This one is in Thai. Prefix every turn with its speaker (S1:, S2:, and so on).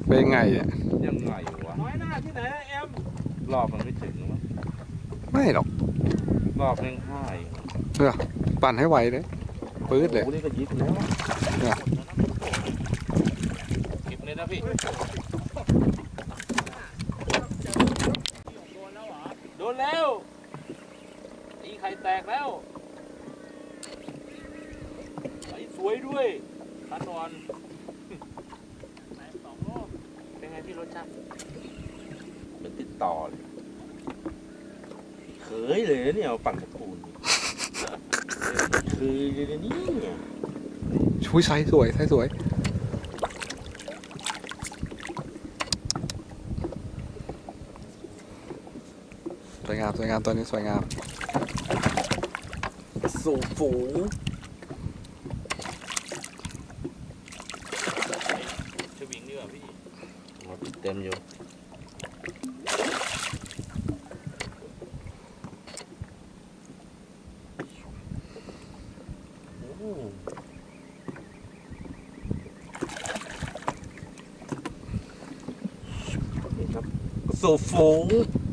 S1: เป็นไงอ่ะ
S2: ยังไงวะ
S3: น้อยหน้าที่ไหนเอ็ม
S2: รอบมันไม่ถึงมั้ง
S1: ไม่หรอก
S2: รอบแม่งห้าย
S1: เนี่ยปั่นให้ไวเลยปื๊ดเลย
S2: โอ้โหนี่ก็ยิบแล้ว
S1: เนี่ย
S2: เก็บเลยนะพี่โดนแล้วตีไข่แตกแล้วไอ้สวยด้วยขันนอนเป็นไงพี่รสชาติเป็นติดต่อเลยเคยเลยนะเนี่ยเอาปั่นตะปูนคือเลยนี่
S1: ชุยไซส์สวยไซส์สวยสวยงามสวยงามตัวนี้สวยงาม
S2: สูงฝูงชวิงดีกว่าพี่มาติดเต็มอยู่นี่ครับสูงฝูง